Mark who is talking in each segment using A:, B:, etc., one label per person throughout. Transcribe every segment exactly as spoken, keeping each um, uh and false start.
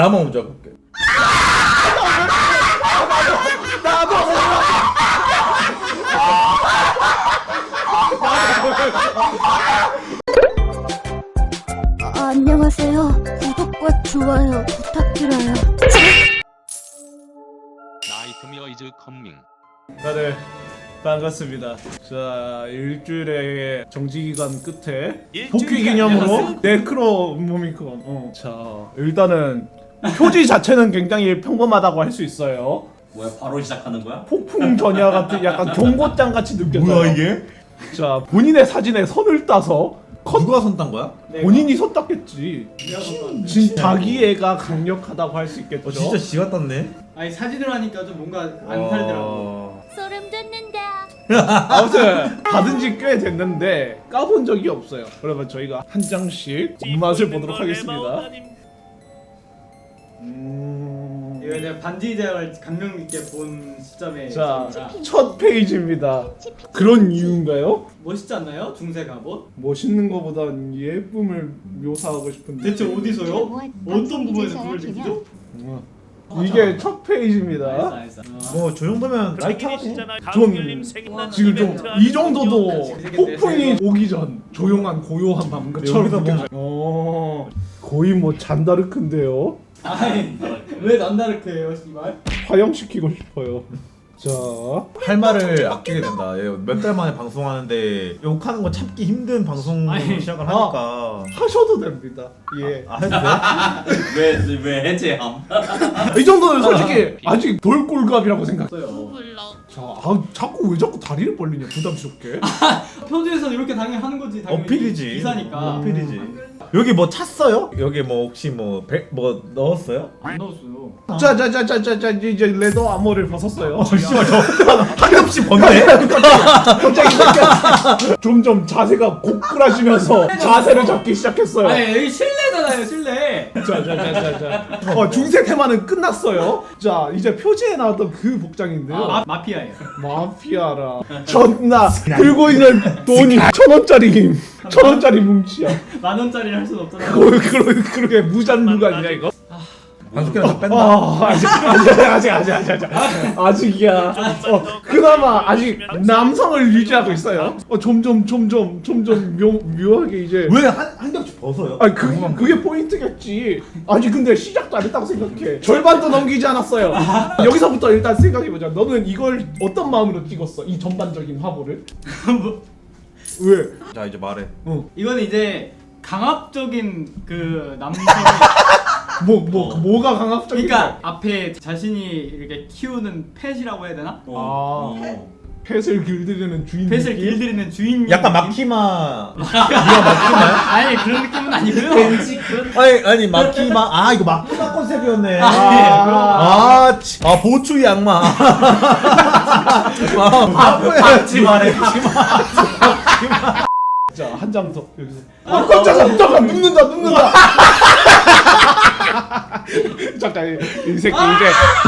A: 나만 먼저 볼게.
B: 아, 안녕하세요. 구독과 좋아요 부탁드려요.
C: 나이트메어 이즈 컴밍.
D: 다들 반갑습니다. 자, 일주일의 정지기간 끝에 복귀 기념으로 네크로 모미콘. 어. 자, 일단은 표지 자체는 굉장히 평범하다고 할 수 있어요.
E: 뭐야 바로 시작하는 거야?
D: 폭풍 전야 같은 약간 경고장 같이 느껴져요.
A: 뭐야 이게?
D: 자, 본인의 사진에 선을 따서 컷.
A: 누가 손 딴 거야?
D: 본인이 손 땄겠지. 진 자기 애가 강력하다고 할 수 있겠죠.
A: 어, 진짜 지가 땄네.
F: 아니 사진으로 하니까 좀 뭔가 안 살더라고.
A: 어...
B: 소름 돋는다.
D: 아무튼 받은 지 꽤 됐는데 까본 적이 없어요. 그러면 저희가 한 장씩 맛을 보도록 하겠습니다. 음...
F: 이거 이제 반지 제약을 감명 있게 본 시점에
D: 자,
F: 있습니다.
D: 첫 페이지입니다. 그런 이유인가요?
F: 멋있지 않나요? 중세 갑옷?
D: 멋있는 것보단 예쁨을 묘사하고 싶은데
F: 대체 어디서요? 어떤 부분에서 그걸 느끼죠?
D: 어. 이게 첫 페이지입니다.
F: 알았어 알았어. 어.
A: 뭐 저 정도면 라이트하네.
D: 전 지금 좀 이 정도도 폭풍이 오기 전 조용한 고요한 밤처럼
A: 여기서 뭐-
D: 느껴져요. 어, 거의 뭐 잔다르크인데요.
F: 아니 왜 난다르크예요 씨발?
D: 화형시키고 싶어요. 자,
A: 할 말을 아끼게 된다. 몇 달 만에 방송하는데 욕하는 거 참기 힘든 방송
F: 아니,
A: 시작을
D: 아.
A: 하니까.
D: 하셔도 됩니다. 예.
A: 아 해도 돼?
E: 왜왜 해제함?
D: 이 정도는 솔직히 아직 돌골갑이라고 생각해요.
F: 없어요.
D: 자, 아, 자꾸 왜 자꾸 다리를 벌리냐 부담스럽게.
F: 표지에서는 이렇게 당연히 하는 거지. 당연히
A: 어필이지.
F: 기사니까.
A: 어필이지. 여기 뭐 찼어요? 여기 뭐 혹시 뭐 배, 뭐 넣었어요?
F: 안 넣었어요.
D: 자자자자자자 이제 레더 아머를 벗었어요.
A: 씨발 저한 겹씩 벗네.
D: 갑자기 이렇게 점점 자세가 고꾸라지면서 자세를 잡기 시작했어요.
F: 아니 여기 실내잖아요 실내.
D: 자자자자자. 어, 중세 테마는 끝났어요. 자, 이제 표지에 나왔던 그 복장인데요.
F: 아, 마, 마피아예요.
D: 마피아라. 존나 들고 있는 돈이 천 원짜리 천 원짜리 뭉치야.
F: 만 원짜리를 할 수는 없잖아.
D: 그거 그러 그러게 무잔무가냐 이거?
A: 반숙기랑 다 뺀다.
D: 아, 아직 아직 아직 아직 아직 아직 아직이야. 어, 그나마 아직 남성을 유지하고 있어요. 어, 점점 점점 점점 묘 묘하게 이제.
A: 왜 한 한 겹씩 벗어요?
D: 아니 그 그게 포인트겠지. 아니 근데 시작도 안 했다고 생각해. 절반도 넘기지 않았어요. 여기서부터 일단 생각해보자. 너는 이걸 어떤 마음으로 찍었어? 이 전반적인 화보를?
F: 뭐,
D: 왜?
A: 자 이제 말해.
D: 어.
F: 이거는 이제 강압적인 그 남성이
D: 뭐, 뭐, 뭐가 강압적인
F: 그러니까 앞에 자신이 이렇게 키우는 펫이라고 해야 되나?
D: 아, 펫을 길들이는 주인.
F: 펫을
D: 느낌?
F: 길들이는 주인
A: 약간 마키마. 네가 마키마야?
F: 아니 그런 느낌은 아니고요.
A: 아니 아니 마키마. 아 이거 마키마 컨셉이었네.
F: 아,
A: 아, 치- 아 보추 양마. 아,
E: 박지 말해.
D: 자, 한 장 더. 여기서. 아, 깜짝아, 잠깐 눕는다, 눕는다. 잠깐, 이, 이 새끼 이제.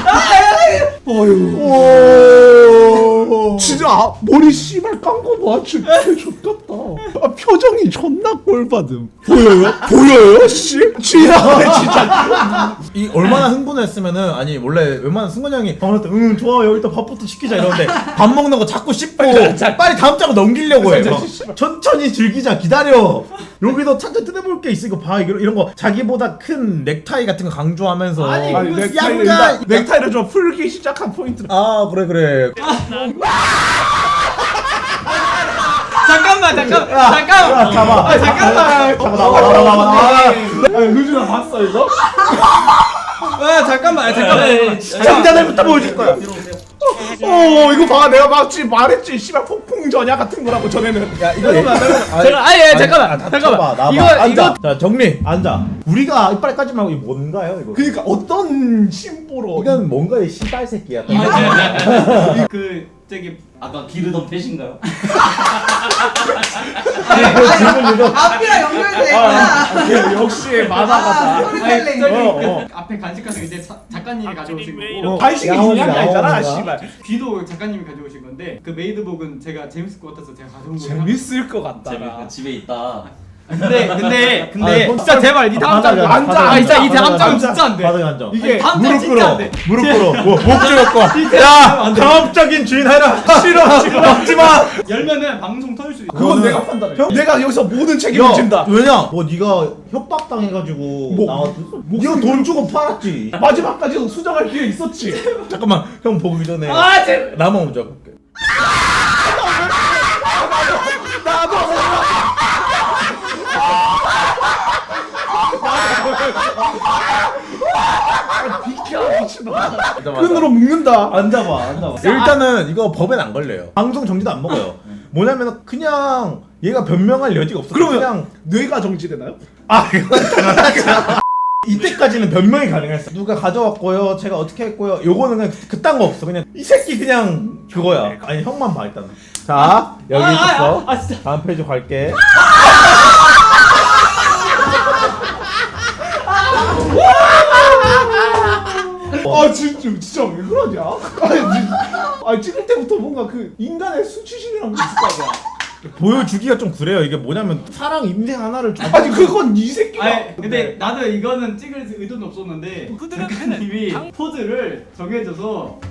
D: 어휴. 진짜 아, 머리 씨발 깐거 봐. 진짜 X같다. 아, 표정이 존나 꼴받음. 보여요? 보여요? 씨? 지나네 진짜.
A: 이 얼마나 흥분했으면은 아니 원래 웬만한 승관 형이 방할 때 응 좋아 여기 다 밥부터 시키자 이러는데 밥 먹는 거 자꾸 씹고 빨리 다음 장으로 넘기려고 해. 막 천천히 즐기자 기다려. 여기서 찬찬 뜯어볼 게 있으니까 봐 이런 이런 거 자기보다 큰 넥타이 같은 거 강조하면서.
F: 아니,
D: 아니,
F: 그거
D: 넥타이를
A: 약간-
D: 일단 넥타이를 좀 풀기 시작한 포인트.
A: 아 그래 그래.
F: 잠깐만 잠깐
A: 야,
F: 잠깐
A: 잡아.
F: 아, 잠깐만
A: 잡아 나와 나와 나와 나와.
D: 아, 효준아 봤어 이거?
F: 아 잠깐만 잠깐만
A: 장자들부터 보여줄 거야.
D: 어 이거 봐 내가 막지 말했지 씨발 폭풍 전야 같은 거라고 전에는.
A: 야 이거
F: 잠깐만,
A: 잠깐만
F: 잠깐, 아니, 아니, 잠깐만, 잠깐만.
A: 나봐
F: 이거,
A: 앉아.
F: 이거-
A: 자 정리 앉아. 우리가 이빨 까지 말고 이거 뭔가요 이거?
D: 그러니까 어떤 심보로
A: 이건 뭔가의 씨발 새끼야.
F: 그 저기
E: 아까 기르던 펫인가요?
A: 질문 이거.
G: 앞이랑 연결돼 있구나.
D: 아, 역시 만화가다.
F: 아니
G: 스토리텔링.
F: 저기
D: 어,
F: 그
D: 어.
F: 앞에 간식 같은 거 이제 사, 작가님이 가져오신 거고
D: 어, 간식이
A: 야옹이다,
D: 중요한 게 아니잖아
A: 야옹이다.
D: 씨발.
F: 귀도 작가님이 가져오신 건데 그 메이드복은 제가 재밌을 것 같아서 제가 가져온 거예요.
D: 재밌을 것
E: 집에,
D: 같다.
E: 집에 있다.
F: 근데 근데 근데
A: 아,
F: 진짜 제발 이 다음 장
A: 바닥에
F: 앉아.
A: 앉아.
F: 아 진짜 이
A: 바닥에
F: 다음 장은
A: 앉아.
F: 진짜 안 돼.
A: 바닥에 앉아.
F: 이게 다음 장
A: 무릎
F: 진짜
A: 꿇어.
F: 안 돼.
A: 무릎 꿇어. 뭐, 목 쥐었고. 야, 강압적인 주인 하라. 싫어, 싫어. 먹지 마.
F: 열면은 방송 터질 수 있어.
D: 그건
A: 그거는-
D: 내가 판단해.
A: 형-
D: 내가 여기서 모든 책임을
A: 야,
D: 진다.
A: 왜냐? 뭐 네가 협박 당해가지고
D: 뭐,
A: 나왔어? 네가 돈 주고 팔았지.
D: 마지막까지 수정할 기회 있었지.
A: 잠깐만, 형 보기 전에
F: 아 제.
A: 나만 먼저 볼게.
D: 비켜 미친놈아. 끈으로 묶는다.
A: 앉아봐, 앉아봐. 일단은 이거 법엔 안 걸려요. 방송 정지도 안 먹어요. 뭐냐면 그냥 얘가 변명할 여지가 없어.
D: 그러면
A: 그냥
D: 뇌가 정지되나요?
A: 아 이건 당연하죠. 이때까지는 변명이 가능했어. 누가 가져왔고요. 제가 어떻게 했고요. 요거는 그냥 그- 그딴 거 없어. 그냥 이 새끼 그냥 그거야. 아니 형만 봐 일단은. 자 여기
F: 아,
A: 있었어.
F: 아, 아, 진짜.
A: 다음 페이지 갈게.
D: 아 진짜 진짜 왜 그러냐? 아니, 진- 아니 찍을 때부터 뭔가 그 인간의 수치심이란 게 있을 거 아니야.
A: 보여주기가 좀 그래요. 이게 뭐냐면 사랑 인생 하나를 줘.
D: 아니 그건 이 새끼가.
F: 아니 근데 나도 이거는 찍을 의도는 없었는데 작가님이 포즈를 정해줘서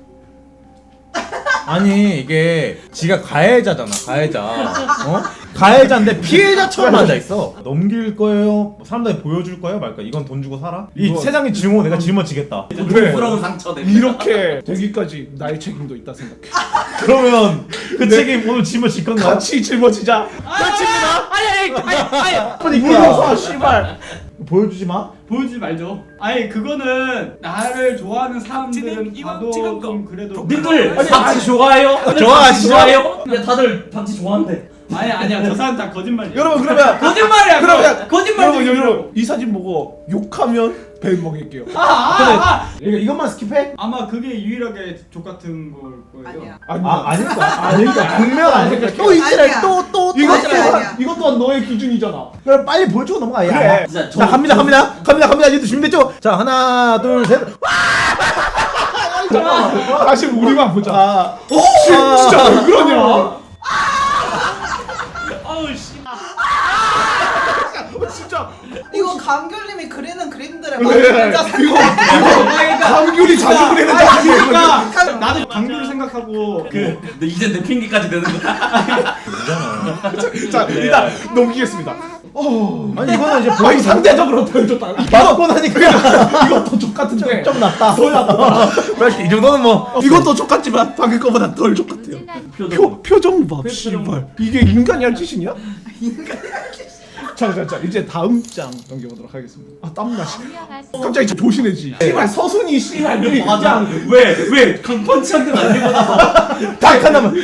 A: 아니 이게 지가 가해자잖아. 가해자. 어? 가해자인데 피해자처럼 앉아 있어. 넘길 거예요. 사람들이 보여줄 거예요. 말까? 이건 돈 주고 살아? 이
D: 이거-
A: 세상의 증오 내가 짊어지겠다.
E: 부끄러운 상처 내고.
D: 이렇게 되기까지 나의 책임도 있다 생각해.
A: 그러면 그 책임 오늘 짊어질 건가요?
D: 같이 짊어지자.
F: 아, 아니 아니 아니 아니
D: 물어서 씨발.
A: 보여주지 마.
F: 보여주지 말죠. 아니 그거는 나를 좋아하는 사람들은 봐도 좀 그래도
E: 님들
F: 아니,
E: 박지 좋아해요?
A: 좋아하시죠?
E: 좋아해요? 근데 다들 박지 좋아한대.
F: 아니 아니야 저 사람 다 거짓말이야.
D: 여러분 그러면
F: 거짓말이야.
D: 그러면
F: 거짓말.
D: 여러분 여러분 이 사진 보고 욕하면 배 먹일게요.
F: 아, 아, 아,
A: 이거 이것만 스킵해?
F: 아마 그게 유일하게 족 같은 걸 거예요.
G: 아니야.
D: 아니
A: 아 아닐까? 아닐까? 분명 아닐까? 또
G: 아니야.
A: 이지랄 또또
D: 이것
G: 아니야,
D: 또한
G: 아니야.
D: 이것 또한 너의 기준이잖아.
A: 그럼 빨리 보여주고 넘어가. 야.
D: 그래.
E: 진짜
A: 자 갑니다 갑니다 갑니다 갑니다. 이제 준비됐죠? 자 하나 둘 셋.
D: 다시 우리만 보자.
A: 아.
D: 씨, 진짜 왜 그러냐?
E: 아우 씨.
D: 어, 진짜
G: 이거 감귤님이 그리는 그림들의
D: 왜?
G: 맞아.
D: 이거 이거 감귤이 자주 그리는 자식이야.
F: 그러니까 나도 강규를 생각하고 그
E: 근데 이제 내 핑계까지 되는 거야.
D: 자 일단 넘기겠습니다. 어,
A: 아니 이거는 이제
D: 아니
A: 보이 상대
D: 상대적으로 보여줬다.
A: 맞고 나니까
D: 이것도 족같은데.
A: 좀 낫다. 더 낫다. 이 정도는 뭐.
D: 이것도 족같지만 방금 거보다 덜 족같아요. 표 표정 봐, 씨발. 이게 인간이 할 짓이냐? 자, 자, 자, 이제 다음 장 넘겨보도록 하겠습니다. 아 땀나. 씨. 갑자기 저 조신해지. 씨발 서순이 씨발 그
E: 맞아.
D: 그냥
E: 왜왜 강펀치 한 대만 들고 나서
A: 딱 하나만.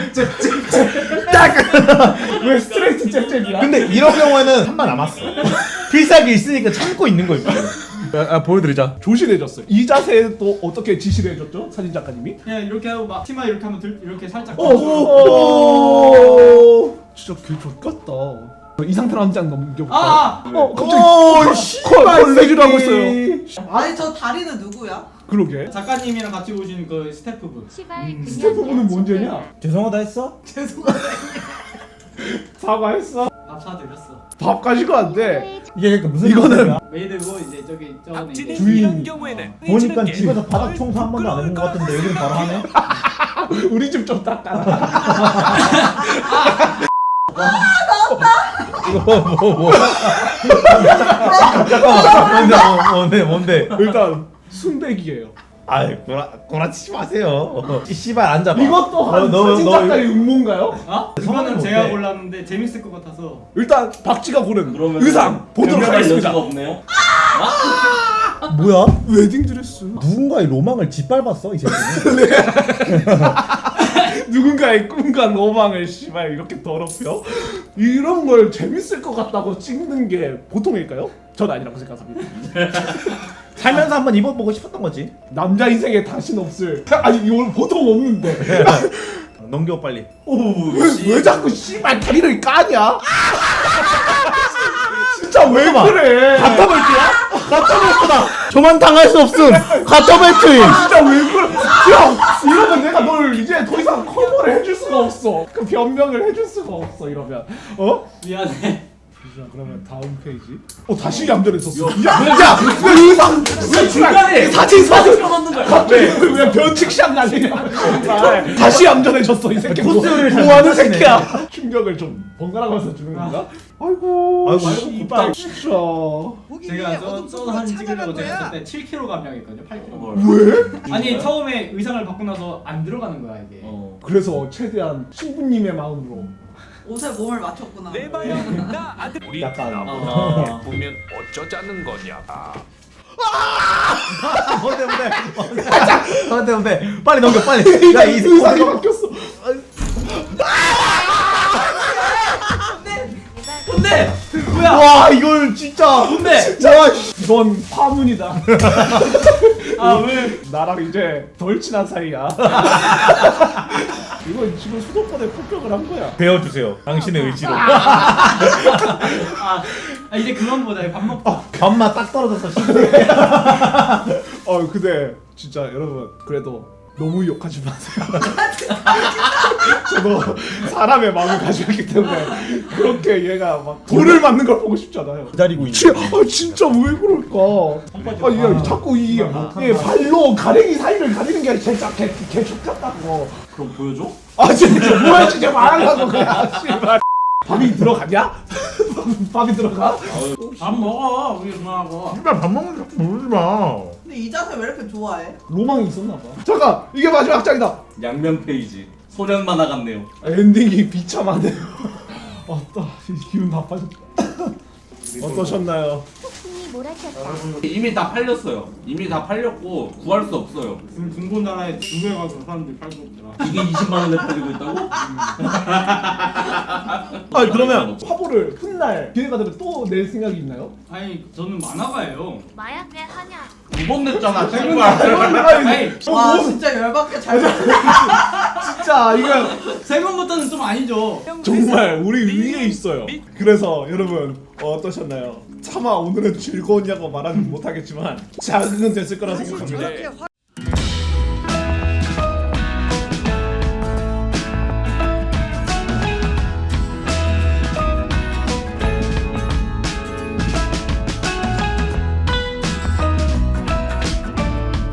D: 왜 스트레이트 잽잽이야?
A: 근데 이런 경우에는 한 번 남았어. 필살기 있으니까 참고 있는 거 있거든. 아, 아, 보여드리자.
D: 조신해졌어요. 이 자세도 어떻게 지시를 해줬죠? 사진 작가님이?
F: 그냥 이렇게 하고 막 치마 이렇게 하면 들, 이렇게 살짝
D: 오, 오, 진짜 개 좋겠다. 이 상태로 한 장 넘겨볼까요?
F: 아, 아.
D: 어, 갑자기
A: 오,
D: 콜-
A: 씨발,
D: 콜레지를 하고 있어요.
G: 아니 저 다리는 누구야?
D: 그러게.
F: 작가님이랑 같이 오신 그 스태프분.
D: 스태프분은 뭔 죄냐?
A: 죄송하다 했어?
G: 죄송하다.
D: 사과했어?
F: 밥 사드렸어.
D: 밥 가지고 안 돼.
A: 이게 그러니까 무슨
D: 이거는
A: 말이야?
F: 메이드고 이제 저기 저거는 이제
A: 주인 보니까 집에서 바닥 청소 한 번도 안 해본 것 같은데 여기는 바로 하네?
D: 우리 집 좀 닦아라.
A: 이거 뭐 뭐? 잠깐만 뭔데 뭐, 뭔데 뭔데?
D: 일단 순백이에요.
A: 아이 구라 구라치지 마세요. 이 씨발 앉아봐.
D: 이것도 한
A: 너, 너,
D: 사진
A: 너
D: 작가의 음모인가요?
F: 어?
A: 성함이
F: 이거는 제가
A: 어때?
F: 골랐는데 재밌을 것 같아서.
D: 일단 박쥐가 고른
E: 그러면
D: 의상 보도록
E: 변명할
D: 하겠습니다.
E: 여지가 없네요.
A: 뭐야?
D: 웨딩 드레스.
A: 누군가의 로망을 짓밟았어 이 새끼는.
D: 누군가의 꿈과 로망을 씨발 이렇게 더럽혀? 이런 걸 재밌을 것 같다고 찍는 게 보통일까요? 전 아니라고 생각합니다.
A: 살면서 한번 입어보고 싶었던 거지.
D: 남자 인생에 다시는 없을. 아니 이걸 보통 없는데.
A: 넘겨 빨리.
D: 왜, 왜 자꾸 씨발 다리를 까냐? 진짜 왜 그래?
A: 가터벨트야? 가터벨트다. 저만 당할 수 없음. 가터벨트임.
D: 진짜 왜 그래? 형 이러면 내가 널 이제 더 이상 커버를 해줄 수가 없어. 그 변명을 해줄 수가 없어 이러면. 어?
F: 미안해.
D: 잠시만 그러면 다음 페이지. 어 다시 얌전해졌어. 야야 의상
E: 왜 중간에
D: 사진 사진
E: 껴넣는 거야?
D: 갑자기 왜 변칙샷 날리냐. 정말 다시 얌전해졌어 이 새끼. 뭐,
A: 코스요리를 잘
D: 뭐 하는
A: 못하시네.
D: 새끼야. 충격을 좀 번갈아가면서 주는 건가? 아이고
A: 아이고,
D: 씨발 진짜.
F: 제가 저, 저 사진 찍으려고 제가 그때 칠 킬로그램 감량했거든요. 팔 킬로그램.
D: 왜?
F: 아니 처음에 의상을 바꾸고 나서 안 들어가는 거야 이게.
E: 어.
D: 그래서 최대한 신부님의 마음으로
G: 옷에 몸을 맞췄구나.
D: 약간
E: 아.
H: 보면 어쩌자는 거냐.
A: 뭔데 뭔데 뭔데 뭔데 뭔데 빨리 넘겨 빨리. 야이
D: 의상이 바뀌었어.
F: 근데 뭐야?
A: 와 이걸 진짜
F: 근데
D: 와 이건 파문이다.
F: 아 왜?
D: 나랑 이제 덜 친한 사이야. 이건 지금 수도권에 폭격을 한 거야.
A: 배워주세요. 당신의 의지로.
F: 아, 아 이제 그만 보자. 밥 먹자.
A: 밥맛 딱 떨어졌어.
D: 어 근데 진짜 여러분 그래도 너무 욕하지 마세요. 저도 사람의 마음을 가지고 있기 때문에 그렇게 얘가 막 돌을 맞는 걸 보고 싶지 않아요.
A: 기다리고 있는.
D: 지, 아 진짜 왜 그럴까? 아, 얘 자꾸 이 얘 발로 가랭이 사이를 가리는 게 진짜 개, 개 X같다고.
E: 그럼 보여줘?
D: 아 진짜 뭐야 진짜 말하려고 그냥 씨발. 밥이 들어가냐? 밥이 들어가?
F: 밥 먹어. 우리 누나하고.
A: 씨발 밥 먹는 거 모르지 마.
G: 근데 이 자세 왜 이렇게 좋아해?
D: 로망이 있었나 봐. 잠깐 이게 마지막 장이다.
E: 양면 페이지. 소년 만화 같네요.
D: 엔딩이 비참하네요. 어따 기분 나빠졌다. 어떠셨나요?
B: 폭풍이 몰아쳤다.
E: 이미 다 팔렸어요. 이미 다 팔렸고 구할 수 없어요.
F: 지금 중고나라에 중고에 가서 사람들이 팔고 있더라.
E: 이게 이십만 원에 팔리고 있다고?
A: 아 그러면
D: 화보를 훗날 기회가 되면 또 낼 생각이 있나요?
F: 아니 저는 만화가예요.
B: 마약 왜 하냐?
E: 두 번 냈잖아.
F: 아니,
E: 제발.
F: 아니
G: 와 진짜 열받게 잘
D: 진짜 이거
F: 세 번부터는 좀 아니죠.
D: 정말 우리 위에 있어요. 그래서 여러분 어떠셨나요? 차마 오늘은 즐거웠냐고 말하지 못하겠지만 자극은 됐을 거라 생각합니다.